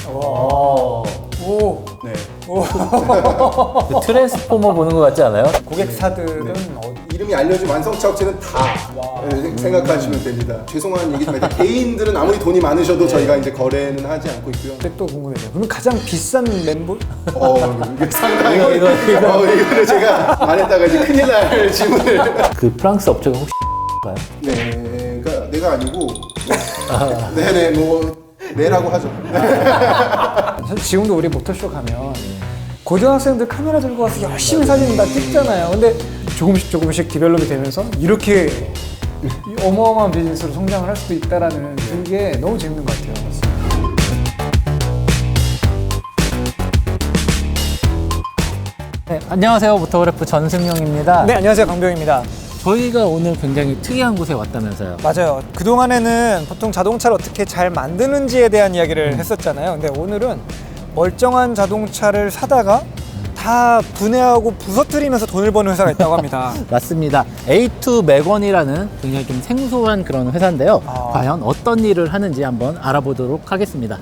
오. 네. 그 트랜스포머 보는 것 같지 않아요? 고객사들은 이름이 알려진 완성차 업체는 다 생각하시면 됩니다. 죄송한 얘기지만 개인들은 아무리 돈이 많으셔도 저희가 이제 거래는 하지 않고 있고요. 근데 또 궁금해요. 그럼 가장 비싼 멤버? 이게 상당히 이거. 이거를 제가 말했다가 이제 큰일 날 질문을. 그 프랑스 업체가 혹시 가요? 네, 그러니까 내가 아니고. 네네, 뭐 네라고 하죠. 사실 지금도 우리 모터쇼 가면 고등학생들 카메라 들고 와서 열심히 사진 다 찍잖아요. 근데 조금씩 디벨롭이 되면서 이렇게 어마어마한 비즈니스로 성장을 할 수도 있다라는 게 너무 재밌는 것 같아요. 네, 안녕하세요. 모터그래프 전승용입니다. 네, 안녕하세요. 강병입니다. 저희가 오늘 굉장히 특이한 곳에 왔다면서요. 맞아요. 그동안에는 보통 자동차를 어떻게 잘 만드는지에 대한 이야기를 했었잖아요. 근데 오늘은 멀쩡한 자동차를 사다가 다 분해하고 부서뜨리면서 돈을 버는 회사가 있다고 합니다. 맞습니다. A2 맥원이라는 굉장히 좀 생소한 그런 회사인데요. 과연 어떤 일을 하는지 한번 알아보도록 하겠습니다.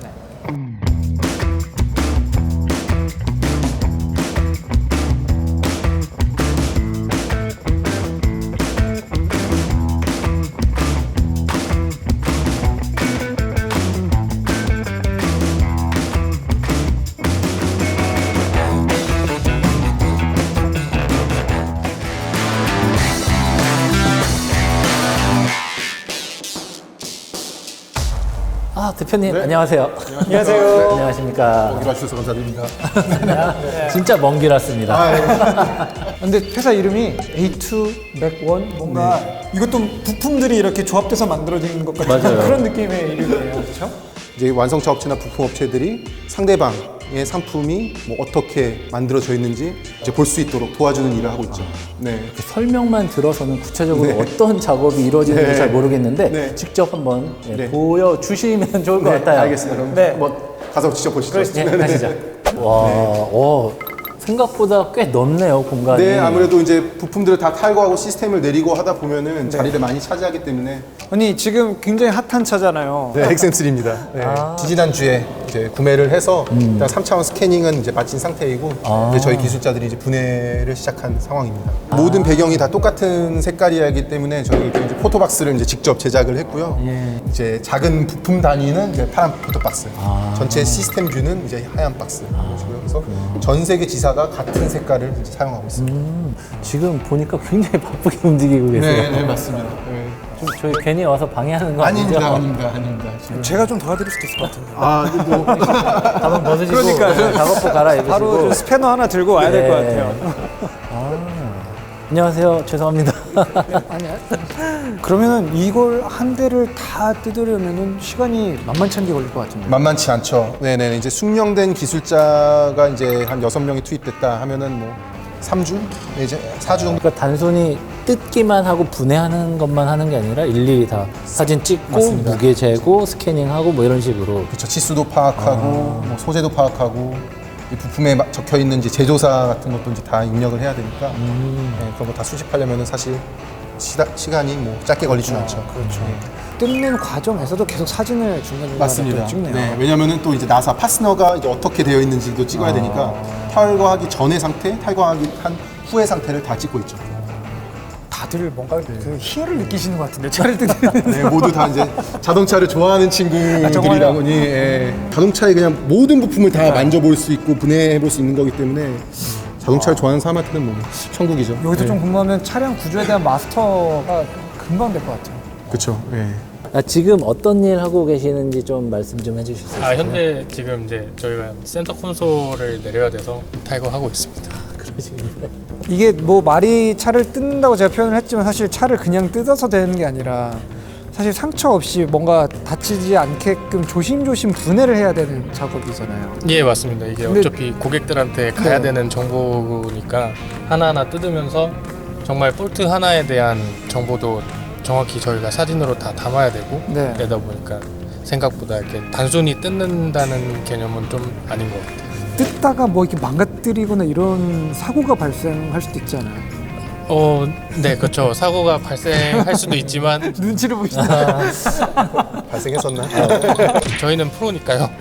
대표님, 네. 안녕하세요. 안녕하세요. 안녕하십니까. 오기로 해주셔서 감사드립니다. 진짜 먼 길 왔습니다. 근데 회사 이름이 A2 맥원 뭔가 이것도 부품들이 이렇게 조합돼서 만들어진 것 같은 맞아요. 그런 느낌의 이름이에요. 그렇죠? 이제 완성차 업체나 부품 업체들이 상대방의 상품이 뭐 어떻게 만들어져 있는지 이제 볼 수 있도록 도와주는 일을 하고 있죠. 네. 설명만 들어서는 구체적으로 네. 어떤 작업이 이루어지는지 네. 잘 모르겠는데 네. 직접 한번 네. 보여주시면 좋을 것 같아요. 알겠습니다. 그럼 네. 한번 가서 직접 보시죠. 네, 가시죠. 와, 생각보다 꽤 넓네요, 공간이. 네, 아무래도 이제 부품들을 다 탈거하고 시스템을 내리고 하다 보면은 자리를 많이 차지하기 때문에 아니 지금 굉장히 핫한 차잖아요. 네, 엑센3입니다. 네. 지지난주에 이제 구매를 해서 일단 3차원 스캐닝은 이제 마친 상태이고 이제 저희 기술자들이 이제 분해를 시작한 상황입니다. 모든 배경이 다 똑같은 색깔이기 때문에 저희 이제 포토박스를 이제 직접 제작을 했고요. 이제 작은 부품 단위는 이제 파란 포토박스, 전체 시스템 뷰는 이제 하얀 박스. 그래서 전 세계 지사가 같은 색깔을 이제 사용하고 있습니다. 지금 보니까 굉장히 바쁘게 움직이고 계세요. 네, 맞습니다. 네. 좀 저희 괜히 와서 방해하는 거 아니죠? 아닙니다. 제가 좀 도와드릴 수도 있을 것 같은데. 뭐 가방 벗으시고 그러니까요. 작업복 갈아입으시고. 바로 좀 스패너 하나 들고 와야 될 것 같아요. 안녕하세요. 죄송합니다. 그러면은 이걸 한 대를 다 뜯으려면은 시간이 만만치 않게 걸릴 것 같은데. 만만치 않죠. 네네. 이제 숙련된 기술자가 이제 한 6명이 투입됐다 하면은 뭐 3주? 이제 4주 정도. 그러니까 단순히 뜯기만 하고 분해하는 것만 하는 게 아니라 일일이 다 사진 찍고 맞습니다. 무게 재고 스캐닝하고 뭐 이런 식으로. 그렇죠. 치수도 파악하고 뭐 소재도 파악하고 이 부품에 적혀 있는지 제조사 같은 것도 이제 다 입력을 해야 되니까 네, 그런 거 다 수집하려면은 사실 시간이 뭐 짧게 걸리지는 않죠. 그렇죠. 뜯는 과정에서도 계속 사진을 중간중간에 맞습니다. 또 찍네요. 네, 왜냐면은 또 이제 나사 파스너가 이제 어떻게 되어 있는지도 찍어야 되니까 탈거하기 전의 상태, 탈거하기 한 후의 상태를 다 찍고 있죠. 다들 뭔가 그 희열을 느끼시는 것 같은데 차를 뜯는. 네, 모두 다 이제 자동차를 좋아하는 친구들이라고니 자동차의 그냥 모든 부품을 다 만져볼 수 있고 분해해볼 수 있는 거기 때문에 자동차를 좋아하는 사람한테는 뭐 천국이죠. 여기서 좀 궁금하면 차량 구조에 대한 마스터가 금방 될 것 같아요. 그렇죠. 네. 지금 어떤 일 하고 계시는지 좀 말씀 좀 해주실 수 있어요? 현재 지금 이제 저희가 센터 콘솔을 내려야 돼서 탈거하고 있습니다. 이게 뭐 말이 차를 뜯는다고 제가 표현을 했지만 사실 차를 그냥 뜯어서 되는 게 아니라 사실 상처 없이 뭔가 다치지 않게끔 조심조심 분해를 해야 되는 작업이잖아요. 예, 맞습니다. 이게 근데- 어차피 고객들한테 가야 네. 되는 정보니까 하나하나 뜯으면서 정말 볼트 하나에 대한 정보도 정확히 저희가 사진으로 다 담아야 되고 네. 그러다 보니까 생각보다 이렇게 단순히 뜯는다는 개념은 좀 아닌 것 같아요. 뜯다가 뭐 이렇게 망가뜨리거나 이런 사고가 발생할 수도 있잖아요. 네, 그렇죠. 사고가 발생할 수도 있지만 눈치를 보시나. 발생했었나? 저희는 프로니까요.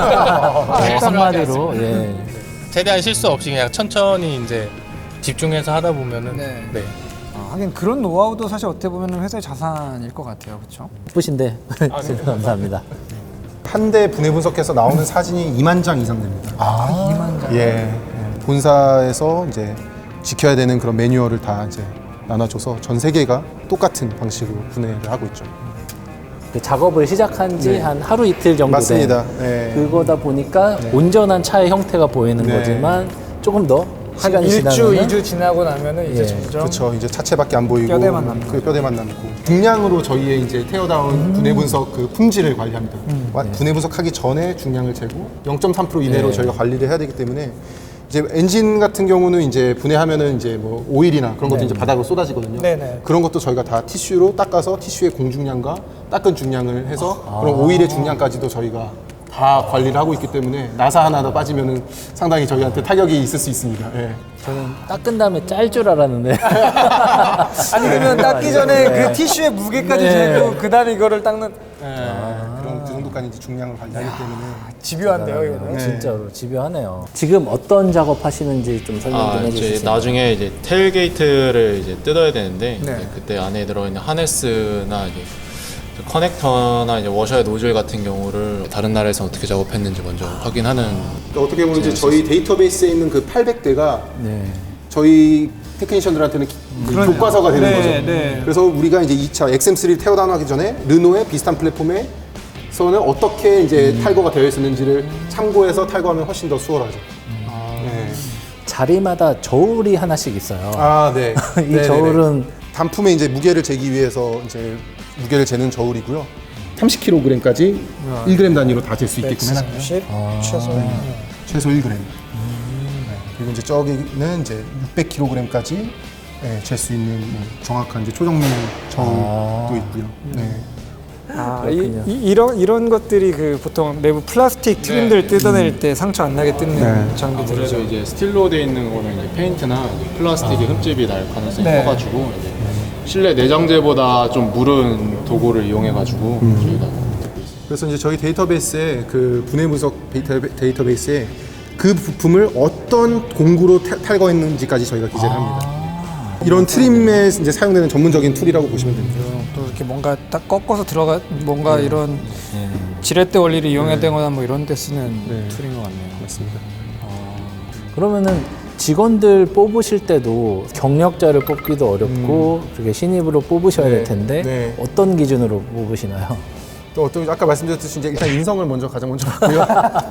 한마디로 예. 최대한 실수 없이 그냥 천천히 이제 집중해서 하다 보면은 네. 네. 하긴 그런 노하우도 사실 어떻게 보면 회사의 자산일 것 같아요, 그렇죠? 예쁘신데 감사합니다. 한 대 분해 분석해서 나오는 사진이 2만 장 이상 됩니다. 2만 장. 예. 본사에서 이제 지켜야 되는 그런 매뉴얼을 다 이제 나눠줘서 전 세계가 똑같은 방식으로 분해를 하고 있죠. 그 작업을 시작한 지 한 하루 이틀 정도 맞습니다. 된 네. 그거다 보니까 온전한 차의 형태가 보이는 네. 거지만 조금 더 시간이 1주, 지나면 2주 지나고 나면은 이제 예. 점점 그렇죠. 이제 차체밖에 안 보이고 뼈대만 남고. 그 뼈대만 남고 중량으로 저희의 이제 테어다운 분해 분석 그 품질을 관리합니다. 분해 분석하기 전에 중량을 재고 0.3% 이내로 네. 저희가 관리를 해야 되기 때문에 이제 엔진 같은 경우는 이제 분해하면은 이제 뭐 오일이나 그런 것도 네. 이제 바닥으로 쏟아지거든요. 네네. 그런 것도 저희가 다 티슈로 닦아서 티슈의 공중량과 닦은 중량을 해서 그런 오일의 중량까지도 저희가 다 관리를 하고 있기 때문에 나사 하나 더 빠지면은 상당히 저희한테 타격이 있을 수 있습니다. 예. 저는 닦은 다음에 짤 줄 알았는데 아니 그러면 닦기 전에 그 티슈의 무게까지 네. 재고 그다음에 이거를 닦는 그런 그 정도까지 이제 중량을 관리하기 때문에 집요한데요, 이거는. 진짜로 집요하네요. 지금 어떤 작업 하시는지 좀 설명 좀 이제 해주시죠. 나중에 이제 테일게이트를 이제 뜯어야 되는데 네. 이제 그때 안에 들어있는 하네스나 이제 커넥터나 이제 워셔의 노즐 같은 경우를 다른 나라에서 어떻게 작업했는지 먼저 확인하는. 그러니까 어떻게 보면 이제 저희 데이터베이스에 있는 그 800대가 네. 저희 테크니션들한테는 교과서가 되는 네, 거죠. 네. 그래서 우리가 이제 2차 XM3를 태워다하기 전에 르노의 비슷한 플랫폼에서는 어떻게 이제 탈거가 되어 있었는지를 참고해서 탈거하면 훨씬 더 수월하죠. 네. 자리마다 저울이 하나씩 있어요. 아, 네. 이 네네네. 저울은 단품의 이제 무게를 재기 위해서 이제 무게를 재는 저울이고요. 30kg까지 1g 단위로 다 잴 수 있게끔 해놨고요. 130 최소. 최소 1g. 네. 그리고 이제 저기는 이제 600kg까지 잴 수 있는 뭐 정확한 이제 초정밀 저울도 있고요. 네. 이런 것들이 그 보통 내부 플라스틱 트림들 뜯어낼 때 상처 안 나게 뜯는 네. 아무래도 장비들이죠. 이제 스틸로 돼 있는 거는 이제 페인트나 이제 플라스틱의 흠집이 날 가능성이 네. 커가지고 이제 실내 내장재보다 좀 무른 도구를 이용해가지고 저희가 그래서 이제 저희 데이터베이스에 그 분해 분석 데이터베이스에 그 부품을 어떤 공구로 탈거했는지까지 저희가 기재를 합니다. 이런 트림에 이제 사용되는 전문적인 툴이라고 보시면 됩니다. 또 이렇게 뭔가 딱 꺾어서 들어가 뭔가 이런 지렛대 원리를 이용해야 뭐 이런 데 쓰는 툴인 것 같네요. 맞습니다. 그러면은 직원들 뽑으실 때도 경력자를 뽑기도 어렵고 그렇게 신입으로 뽑으셔야 네. 될 텐데 네. 어떤 기준으로 뽑으시나요? 또 어떤 아까 말씀드렸듯이 이제 일단 인성을 가장 먼저 봤고요.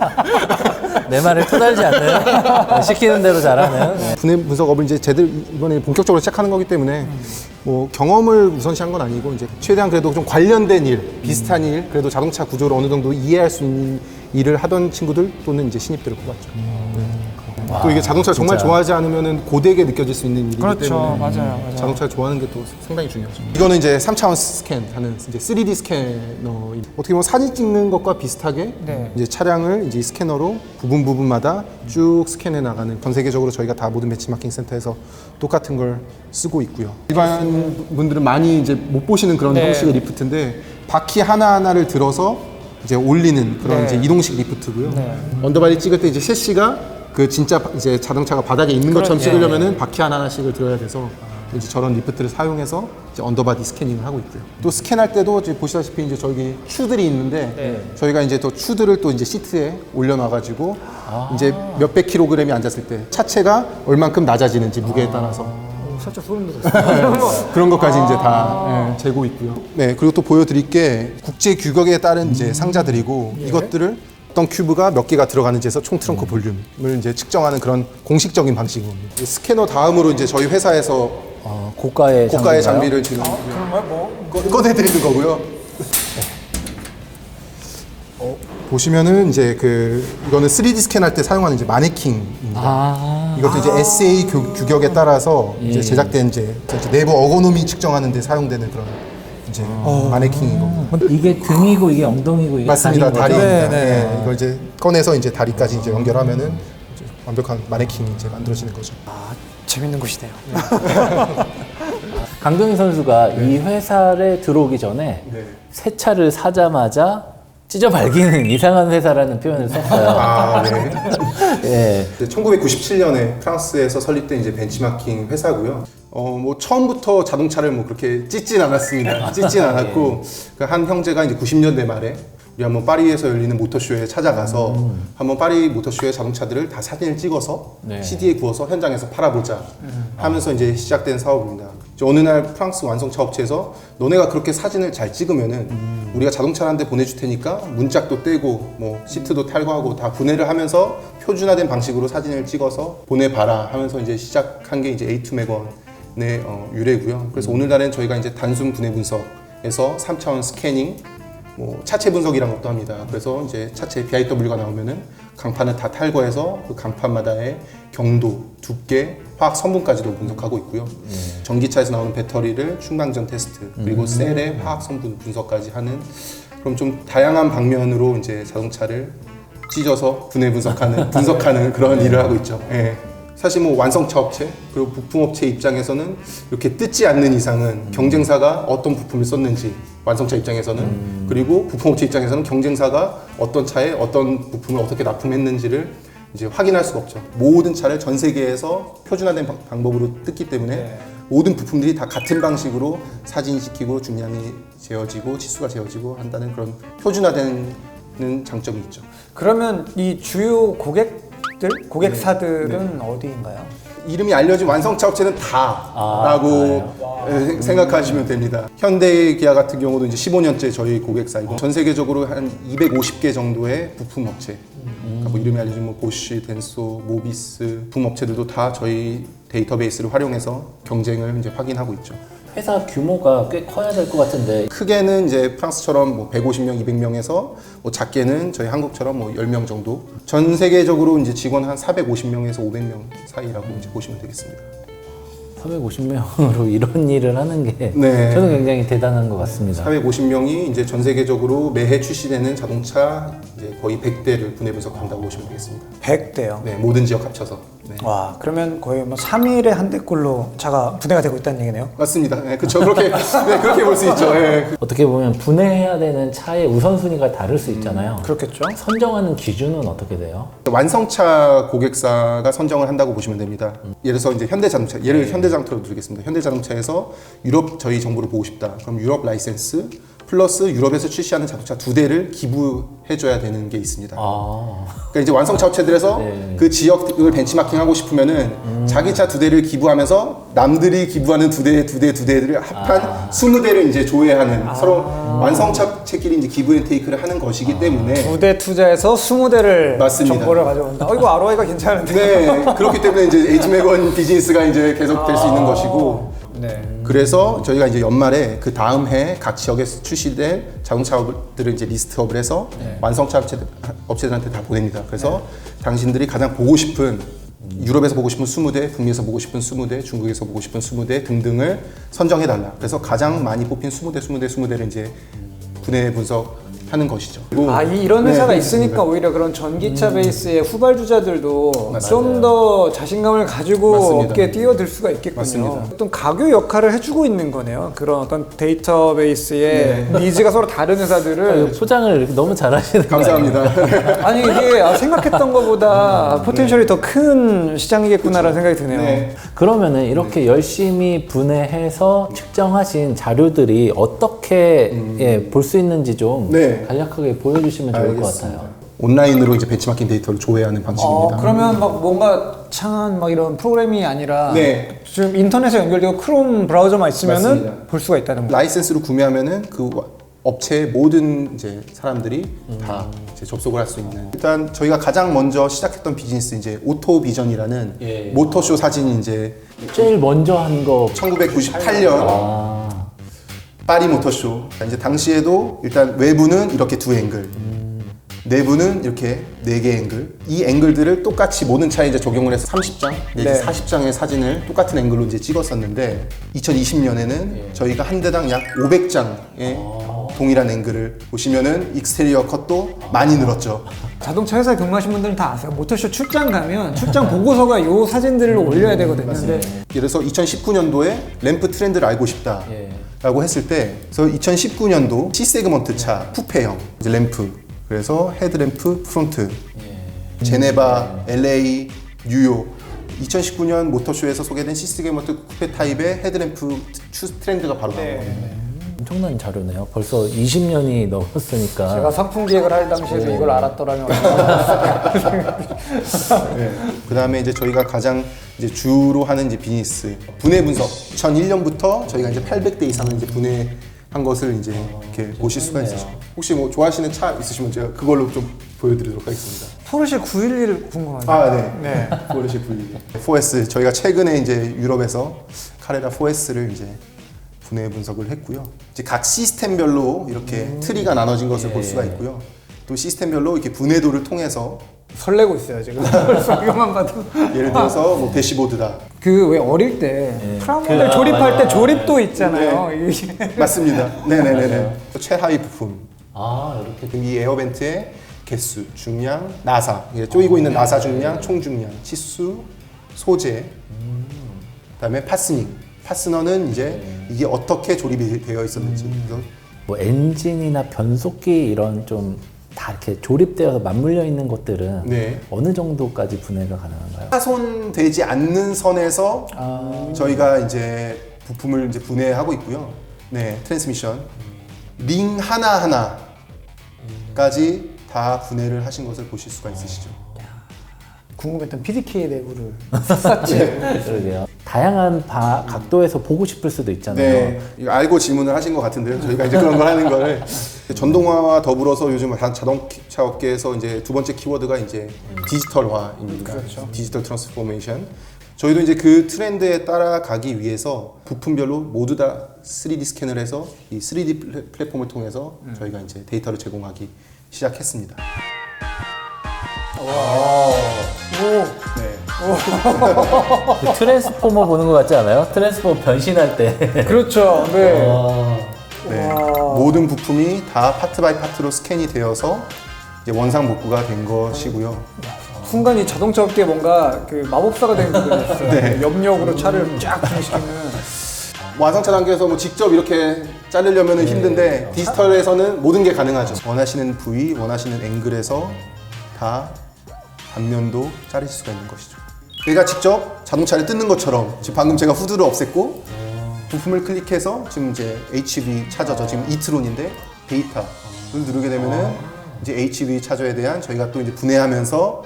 내 말을 토달지 않는 시키는 대로 잘하는 네. 분해 분석업을 이제 제대로 이번에 본격적으로 시작하는 거기 때문에 뭐 경험을 우선시한 건 아니고 이제 최대한 그래도 좀 관련된 일, 비슷한 일, 그래도 자동차 구조를 어느 정도 이해할 수 있는 일을 하던 친구들 또는 이제 신입들을 뽑았죠. 또 이게 자동차를 정말 진짜. 좋아하지 않으면은 고되게 느껴질 수 있는 일이기 그렇죠. 때문에 맞아요. 자동차를 좋아하는 게 또 상당히 중요하죠. 이거는 이제 3차원 스캔하는 이제 3D 스캐너. 어떻게 보면 사진 찍는 것과 비슷하게 네. 이제 차량을 이제 이 스캐너로 부분마다 쭉 스캔해 나가는 전 세계적으로 저희가 다 모든 배치마킹 센터에서 똑같은 걸 쓰고 있고요. 일반 분들은 많이 이제 못 보시는 그런 네. 형식의 리프트인데 바퀴 하나하나를 들어서 이제 올리는 그런 네. 이제 이동식 리프트고요. 네. 언더바디 찍을 때 이제 셰시가 그 진짜 이제 자동차가 바닥에 있는 것처럼 찍으려면은 바퀴 하나하나씩을 들어야 돼서 이제 저런 리프트를 사용해서 이제 언더바디 스캐닝을 하고 있고요. 또 스캔할 때도 이제 보시다시피 이제 저기 추들이 있는데 저희가 이제 또 추들을 또 이제 시트에 올려놔가지고 이제 몇백 킬로그램이 앉았을 때 차체가 얼만큼 낮아지는지 무게에 따라서 살짝 소름 돋았어요. 그런 것까지 이제 다 재고 있고요. 네, 그리고 또 보여드릴 게 국제 규격에 따른 이제 상자들이고 이것들을 어떤 큐브가 몇 개가 들어가는지에서 총 트렁크 볼륨을 이제 측정하는 그런 공식적인 방식입니다. 이 스캐너 다음으로 이제 저희 회사에서 고가의 장비를 지금 꺼내드리는 거고요. 보시면은 이제 그 이거는 3D 스캔할 때 사용하는 이제 마네킹입니다. 이것도 이제 SA 규격에 따라서 이제 제작된 이제 내부 어거노미 측정하는 데 사용되는 그런 이제 마네킹인 겁니다. 이게 등이고 이게 엉덩이고 이게 맞습니다. 다리인 거죠? 다리입니다. 네, 네. 이걸 이제 꺼내서 이제 다리까지 이제 연결하면은 이제 완벽한 마네킹이 이제 만들어지는 거죠. 재밌는 곳이네요. 강동희 선수가 이 회사에 들어오기 전에 새 차를 사자마자 찢어 발기는 이상한 회사라는 표현을 썼어요. 아, 네. 예. 1997년에 프랑스에서 설립된 이제 벤치마킹 회사고요. 뭐 처음부터 자동차를 뭐 그렇게 찢진 않았습니다. 찢진 않았고 그 한 형제가 이제 90년대 말에 우리 한번 파리에서 열리는 모터쇼에 찾아가서 한번 파리 모터쇼의 자동차들을 다 사진을 찍어서 네. CD에 구워서 현장에서 팔아보자 하면서 이제 시작된 사업입니다. 이제 어느 날 프랑스 완성차 업체에서 너네가 그렇게 사진을 잘 찍으면은 우리가 자동차를 한 대 보내줄 테니까 문짝도 떼고 뭐 시트도 탈거하고 다 분해를 하면서 표준화된 방식으로 사진을 찍어서 보내봐라 하면서 이제 시작한 게 이제 A2 매건의 유래고요. 그래서 오늘날엔 저희가 이제 단순 분해 분석에서 3차원 스캐닝 뭐 차체 분석이란 것도 합니다. 그래서 이제 차체 BIW가 나오면은 강판을 다 탈거해서 그 강판마다의 경도, 두께, 화학 성분까지도 분석하고 있고요. 전기차에서 나오는 배터리를 충당 전 테스트, 그리고 셀의 화학 성분 분석까지 하는 그럼 좀 다양한 방면으로 이제 자동차를 찢어서 분해 분석하는 그런 일을 하고 있죠. 예. 사실 뭐 완성차 업체 그리고 부품 업체 입장에서는 이렇게 뜯지 않는 이상은 경쟁사가 어떤 부품을 썼는지 완성차 입장에서는 그리고 부품 업체 입장에서는 경쟁사가 어떤 차에 어떤 부품을 어떻게 납품했는지를 이제 확인할 수가 없죠. 모든 차를 전 세계에서 표준화된 방법으로 뜯기 때문에 모든 부품들이 다 같은 방식으로 사진시키고 중량이 재어지고 치수가 재어지고 한다는 그런 표준화되는 장점이 있죠. 그러면 이 주요 고객사들은 어디인가요? 이름이 알려진 완성차 업체는 다라고 생각하시면 됩니다. 현대 기아 같은 경우도 이제 15년째 저희 고객사이고 전 세계적으로 한 250개 정도의 부품 업체, 그러니까 뭐 이름이 알려진 뭐 보쉬, 덴소, 모비스 부품 업체들도 다 저희 데이터베이스를 활용해서 경쟁을 이제 확인하고 있죠. 회사 규모가 꽤 커야 될 것 같은데 크게는 이제 프랑스처럼 뭐 150명, 200명에서 뭐 작게는 저희 한국처럼 뭐 10명 정도. 전 세계적으로 이제 직원 한 450명에서 500명 사이라고 이제 보시면 되겠습니다. 450명으로 이런 일을 하는 게 네. 저는 굉장히 대단한 것 같습니다. 450명이 이제 전 세계적으로 매해 출시되는 자동차 이제 거의 100대를 분해 분석한다고 보시면 되겠습니다. 100대요. 네, 모든 지역 합쳐서. 네. 와, 그러면 거의 뭐 3일에 한 대꼴로 차가 분해가 되고 있다는 얘기네요. 맞습니다. 네, 그렇죠. 그렇게 네, 그렇게 볼 수 있죠. 네. 어떻게 보면 분해해야 되는 차의 우선순위가 다를 수 있잖아요. 그렇겠죠. 선정하는 기준은 어떻게 돼요? 완성차 고객사가 선정을 한다고 보시면 됩니다. 예를 들어서 이제 현대자동차, 예를 현대자동차로 드리겠습니다. 현대자동차에서 유럽 저희 정보를 보고 싶다. 그럼 유럽 라이센스 플러스 유럽에서 출시하는 자동차 2대를 기부해줘야 되는 게 있습니다. 그러니까 이제 완성차 업체들에서 네. 그 지역을 벤치마킹하고 싶으면은 자기 차 2대를 기부하면서 남들이 기부하는 2대를 합한 20대를 이제 조회하는 서로 완성차끼리 이제 기부 앤 테이크를 하는 것이기 때문에 2대 투자해서 20대를 맞습니다. 정보를 가져온다. 이거 ROI가 괜찮은데. 네, 그렇기 때문에 이제 H매건 비즈니스가 이제 계속 될 수 있는 것이고 네. 그래서 저희가 이제 연말에 그 다음 해 각 지역에서 출시될 자동차들을 이제 리스트업을 해서 완성차 업체들한테 다 보냅니다. 그래서 당신들이 가장 보고 싶은 유럽에서 보고 싶은 20대, 북미에서 보고 싶은 20대, 중국에서 보고 싶은 20대 등등을 선정해달라. 그래서 가장 많이 뽑힌 20대를 이제 분해 분석하는 것이죠. 이런 회사가 네, 있으니까 오히려 그런 전기차 베이스의 후발주자들도 맞아요. 좀 더 자신감을 가지고 맞습니다. 업계에 뛰어들 수가 있겠군요. 맞습니다. 어떤 가교 역할을 해주고 있는 거네요. 그런 어떤 데이터베이스의 니즈가 서로 다른 회사들을 포장을 이렇게 너무 잘하시는 거 감사합니다. 아니 이게 생각했던 것보다 포텐셜이 더 큰 시장이겠구나라는 생각이 드네요. 네. 그러면은 이렇게 열심히 분해해서 측정하신 자료들이 어떻게 볼 수 있는지 좀 네. 간략하게 보여주시면 좋을 것 알겠습니다. 같아요. 온라인으로 이제 벤치마킹 데이터를 조회하는 방식입니다. 그러면 막 뭔가 창한 막 이런 프로그램이 아니라 네. 지금 인터넷에 연결되고 크롬 브라우저만 있으면은 맞습니다. 볼 수가 있다는 거예요. 라이센스로 구매하면은 그 업체의 모든 이제 사람들이 다 이제 접속을 할 수 있는. 일단 저희가 가장 먼저 시작했던 비즈니스 이제 오토비전이라는 예. 모터쇼 사진이 이제 제일 먼저 한 거 1998년 파리 모터쇼. 이제 당시에도 일단 외부는 이렇게 두 앵글, 내부는 이렇게 4개 앵글. 이 앵글들을 똑같이 모든 차에 이제 적용을 해서 30장 내지 네. 40장의 사진을 똑같은 앵글로 이제 찍었었는데 2020년에는 저희가 한 대당 약 500장의 동일한 앵글을 보시면은 익스테리어 컷도 많이 늘었죠. 자동차 회사에 근무하신 분들은 다 아세요. 모터쇼 출장 가면 출장 보고서가 요 사진들을 올려야 되거든요. 근데 그래서 2019년도에 램프 트렌드를 알고 싶다 라고 했을 때 그래서 2019년도 C 세그먼트 차 쿠페형 이제 램프 그래서 헤드램프 프론트 제네바, LA, 뉴욕 2019년 모터쇼에서 소개된 C 세그먼트 쿠페 타입의 헤드램프 트렌드가 바로 나온 거예요. 엄청난 자료네요. 벌써 20년이 넘었으니까. 제가 상품 기획을 할 당시에도 이걸 알았더라면 네. 그 다음에 이제 저희가 가장 이제 주로 하는 이제 비즈니스 분해 분석 2001년부터 저희가 이제 800대 이상을 이제 분해한 것을 이제 이렇게 보실 수가 있으시죠. 혹시 뭐 좋아하시는 차 있으시면 제가 그걸로 좀 보여드리도록 하겠습니다. 포르쉐 911 궁금하네요. 아, 네. 포르쉐 V 4S 저희가 최근에 이제 유럽에서 카레라 4S를 이제 분해 분석을 했고요. 이제 각 시스템별로 이렇게 트리가 나눠진 것을 볼 수가 있고요. 또 시스템별로 이렇게 분해도를 통해서 설레고 있어요 지금. 이것만 봐도. 예를 들어서 뭐 대시보드다. 그 왜 어릴 때 프라모델 조립할 때 조립도 있잖아요. 이게. 맞습니다. 네네네네. 최하위 부품. 아, 이렇게. 이 에어벤트의 개수, 중량, 나사. 이게 쪼이고 있는 나사 중량, 총 중량, 치수, 소재. 그다음에 파스닝. 파스너는 이제 이게 어떻게 조립이 되어 있었는지. 그래서 뭐 엔진이나 변속기 이런 좀 다 이렇게 조립되어서 맞물려 있는 것들은 네. 어느 정도까지 분해가 가능한가요? 파손되지 않는 선에서 저희가 이제 부품을 이제 분해하고 있고요. 네, 트랜스미션 링 하나 하나까지 다 분해를 하신 것을 보실 수가 있으시죠. 궁금했던 PDK 내부를 샅샅이. 그러게요. 다양한 각도에서 보고 싶을 수도 있잖아요. 네, 이거 알고 질문을 하신 것 같은데요. 저희가 이제 그런 걸 하는 거를 전동화와 더불어서 요즘 자동차 업계에서 이제 두 번째 키워드가 이제 디지털화입니다. 그렇죠. 디지털 트랜스포메이션. 저희도 이제 그 트렌드에 따라가기 위해서 부품별로 모두 다 3D 스캔을 해서 이 3D 플랫폼을 통해서 저희가 이제 데이터를 제공하기 시작했습니다. 네. 그 트랜스포머 보는 것 같지 않아요? 트랜스포머 변신할 때. 그렇죠. 네. 네. 모든 부품이 다 파트 바이 파트로 스캔이 되어서 이제 원상 복구가 된 것이고요. 순간 이 자동차 업계에 뭔가 그 마법사가 된 기분이었어요. 네. 염력으로 차를 쫙 분해시키는. 완성차 단계에서 뭐 직접 이렇게 자르려면 힘든데 디지털에서는 모든 게 가능하죠. 원하시는 부위, 원하시는 앵글에서 다 단면도 자르실 수가 있는 것이죠. 내가 직접 자동차를 뜯는 것처럼 지금 방금 제가 후드를 없앴고 부품을 클릭해서 지금 이제 HV 차저죠. 지금 이트론인데 데이터를 누르게 되면은 이제 HV 차저에 대한 저희가 또 이제 분해하면서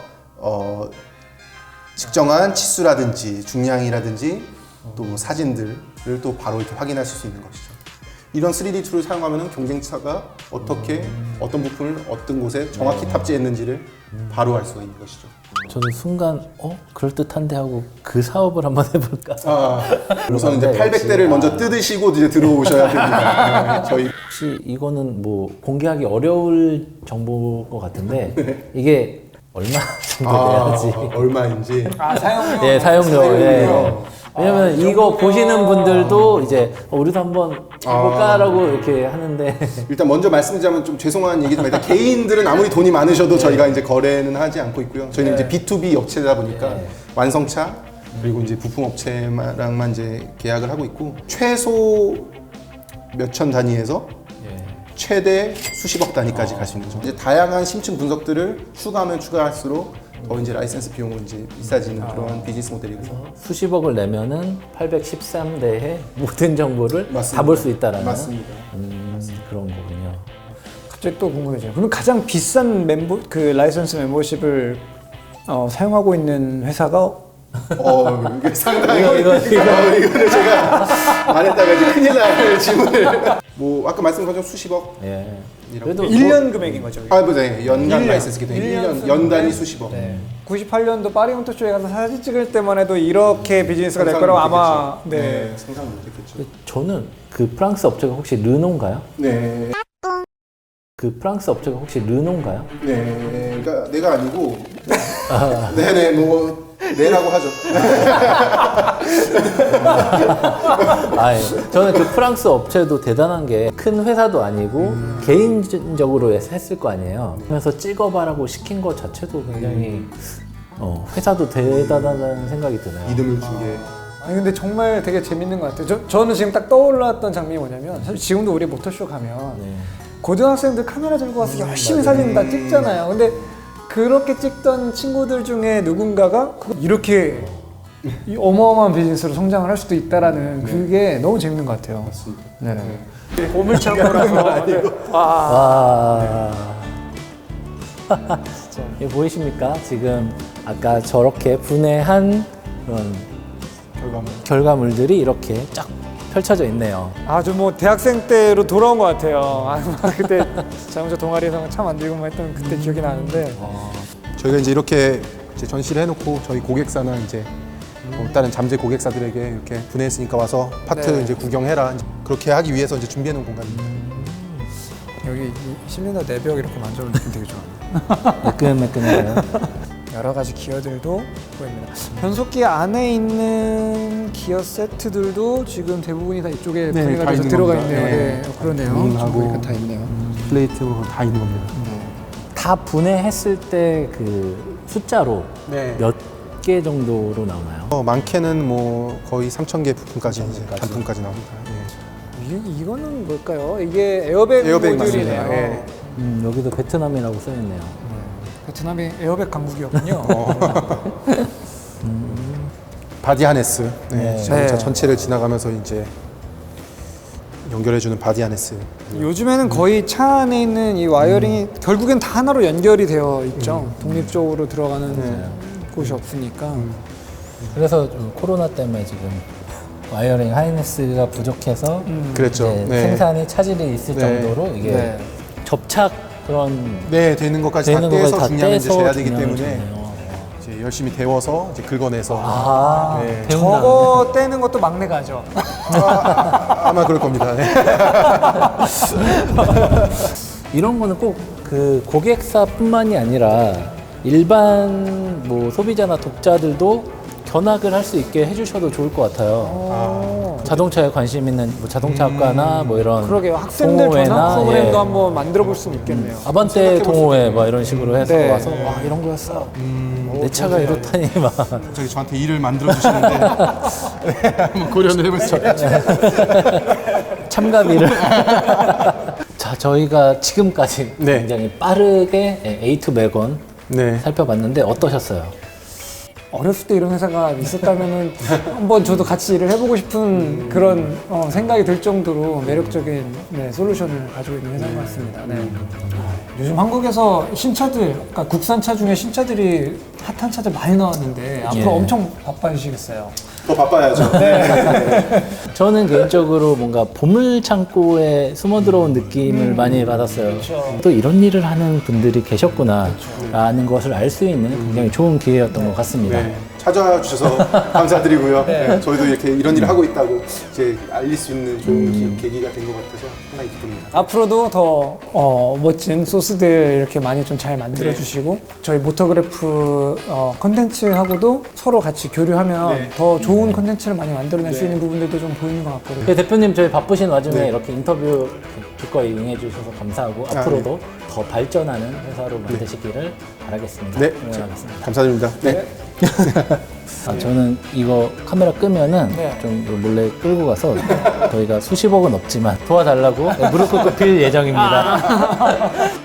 측정한 치수라든지 중량이라든지 또 뭐 사진들을 또 바로 이렇게 확인하실 수 있는 것이죠. 이런 3D 툴을 사용하면 경쟁차가 어떻게 어떤 부품을 어떤 곳에 정확히 탑재했는지를 바로 알 수가 있는 것이죠. 저도 순간 그럴듯한데 하고 그 사업을 한번 해볼까? 우선 이제 800대를 먼저 뜯으시고 이제 들어오셔야 됩니다. 저희 혹시 이거는 뭐 공개하기 어려울 정보인 것 같은데 이게 얼마 정도 돼야지? 얼마인지. 사용료. 예, 사용료. 예. 왜냐면 이거 보시는 분들도 이제 우리도 한번 해볼까라고 이렇게 하는데 일단 먼저 말씀드리자면 좀 죄송한 얘기지만 일단 개인들은 아무리 돈이 많으셔도 저희가 이제 거래는 하지 않고 있고요. 저희는 이제 B2B 업체다 보니까 완성차 그리고 이제 부품 업체랑만 이제 계약을 하고 있고 최소 몇천 단위에서 최대 수십억 단위까지 갈 수 있는 거죠. 이제 다양한 심층 분석들을 추가하면 추가할수록 더 이제 라이센스 비용은 이제 비싸지는 그런 비즈니스 모델이고요. 수십억을 내면은 813대의 모든 정보를 맞습니다. 다 볼 수 있다라는 맞습니다. 그런 거군요. 갑자기 또 궁금해져요. 그럼 가장 비싼 라이선스 멤버십을 사용하고 있는 회사가 이게 상당히 이거는 제가 말했다가 이제 큰일 날 질문을 뭐 아까 말씀하신 것처럼 수십억 예. 이런 그래도 1년 금액인 거죠. 네. 연간 1년. 라이센스기 때문에 1년 1년 연단위 수십억. 98년도 파리 모터쇼에 가서 사진 찍을 때만 해도 이렇게 비즈니스가 될 거라고 아마 상상 못했겠죠. 저는 그 프랑스 업체가 혹시 르노인가요? 네. 그 프랑스 업체가 혹시 르노인가요? 네. 그러니까 내가 아니고 네네 뭐 네라고 하죠. 아, 예. 저는 그 프랑스 업체도 대단한 게 큰 회사도 아니고 개인적으로 했을 거 아니에요. 그래서 찍어봐라고 시킨 것 자체도 굉장히 회사도 대단하다는 생각이 드네요. 믿음을 준 게. 아니 근데 정말 되게 재밌는 것 같아요. 저는 지금 딱 떠올랐던 장면이 뭐냐면 사실 지금도 우리 모터쇼 가면 네. 고등학생들 카메라 들고 와서 열심히 사진 다 찍잖아요. 근데 그렇게 찍던 친구들 중에 누군가가 이렇게 이 어마어마한 비즈니스로 성장을 할 수도 있다라는 그게 너무 재밌는 것 같아요. 맞습니다. 네. 보물창고라서. 와. 이거 보이십니까? 지금 아까 저렇게 분해한 그런 결과물들이 이렇게 쫙 펼쳐져 있네요. 아주 뭐 대학생 때로 돌아온 것 같아요. 그때 자동차 동아리에서 차 만들고만 했던 그때 기억이 나는데. 저희가 이제 이렇게 이제 전시를 해놓고 저희 고객사나 이제 다른 잠재 고객사들에게 이렇게 분해했으니까 와서 파트 네. 이제 구경해라. 이제 그렇게 하기 위해서 이제 준비해놓은 공간입니다. 여기 이 실린더 내벽 이렇게 만져보는 느낌 되게 좋아요. 매끈매끈해요. 여러 가지 기어들도 보입니다. 변속기 안에 있는 기어 세트들도 지금 대부분이 다 이쪽에 네, 분해가 다 돼서 있는 들어가 겁니다. 있네요. 네. 네, 그러네요. 윙하고 보니까 다 있네요. 플레이트 다 있는 겁니다. 다 분해했을 때 그 숫자로 네. 몇 개 정도로 나오나요? 많게는 뭐 거의 3,000개 부품까지 이제 단품까지 나옵니다. 예. 이거는 뭘까요? 이게 에어백 에어백 모듈이네요. 맞습니다. 예. 여기도 베트남이라고 써있네요. 베트남이 에어백 강국이었군요. 바디 하네스. 네. 자동차 네. 전체를 지나가면서 이제 연결해주는 바디 하네스. 요즘에는 거의 차 안에 있는 이 와이어링이 결국엔 다 하나로 연결이 되어 있죠. 독립적으로 들어가는 곳이 없으니까. 그래서 좀 코로나 때문에 지금 와이어링 하이네스가 부족해서 그랬죠. 이제 네. 생산에 차질이 있을 네. 정도로 이게 네. 접착 그런 네, 되는 것까지 다 되는 것까지 떼서 다 중량을 이제 떼서 재야 되기 중량을 때문에 재네요. 이제 열심히 데워서 이제 긁어내서 네. 배운다. 저거 떼는 것도 막내가 하죠. 아마 그럴 겁니다. 네. 이런 거는 꼭 그 고객사뿐만이 아니라 일반 뭐 소비자나 독자들도 견학을 할 수 있게 해주셔도 좋을 것 같아요. 자동차에 관심 있는 뭐 자동차학과나 뭐 이런 그러게요. 학생들 동호회나, 전화 프로그램도 예. 한번 만들어 볼 수는 있겠네요. 아반떼 동호회 막 이런 식으로 해서 네. 와서 와 이런 거였어. 내 차가 이렇다니 막. 저기 저한테 일을 만들어 주시는데 네, 한번 고려를 해보시죠. 참가비를. 자, 저희가 지금까지 네. 굉장히 빠르게 A2 매건 네. 살펴봤는데 어떠셨어요? 어렸을 때 이런 회사가 있었다면은 한번 저도 같이 일을 해보고 싶은 그런 생각이 들 정도로 매력적인 솔루션을 가지고 있는 회사인 것 같습니다. 네. 요즘 한국에서 신차들, 그러니까 국산차 중에 신차들이 핫한 차들 많이 나왔는데 앞으로 예. 엄청 바빠지시겠어요. 더 바빠야죠. 저는 개인적으로 뭔가 보물 창고에 숨어 들어온 느낌을 많이 받았어요. 또 이런 일을 하는 분들이 계셨구나라는 것을 알 수 있는 굉장히 좋은 기회였던 것 같습니다. 네. 찾아와 주셔서 감사드리고요. 네. 저희도 이렇게 이런 일을 하고 있다고 이제 알릴 수 있는 좋은 계기가 된 것 같아서 상당히 기쁩니다. 앞으로도 더 멋진 소스들 이렇게 많이 좀 잘 만들어 주시고 저희 모터그래프 컨텐츠하고도 서로 같이 교류하면 더 좋은 컨텐츠를 많이 만들어낼 수 있는 부분들도 좀 보이는 것 같거든요. 네, 대표님 저희 바쁘신 와중에 이렇게 인터뷰 기꺼이 응해주셔서 감사하고 앞으로도 더 발전하는 회사로 만드시기를 바라겠습니다. 네. 응원하겠습니다. 감사드립니다. 네. 저는 이거 카메라 끄면은 네. 좀 몰래 끌고 가서 저희가 수십억은 없지만 도와달라고 무릎 꿇고 빌 예정입니다.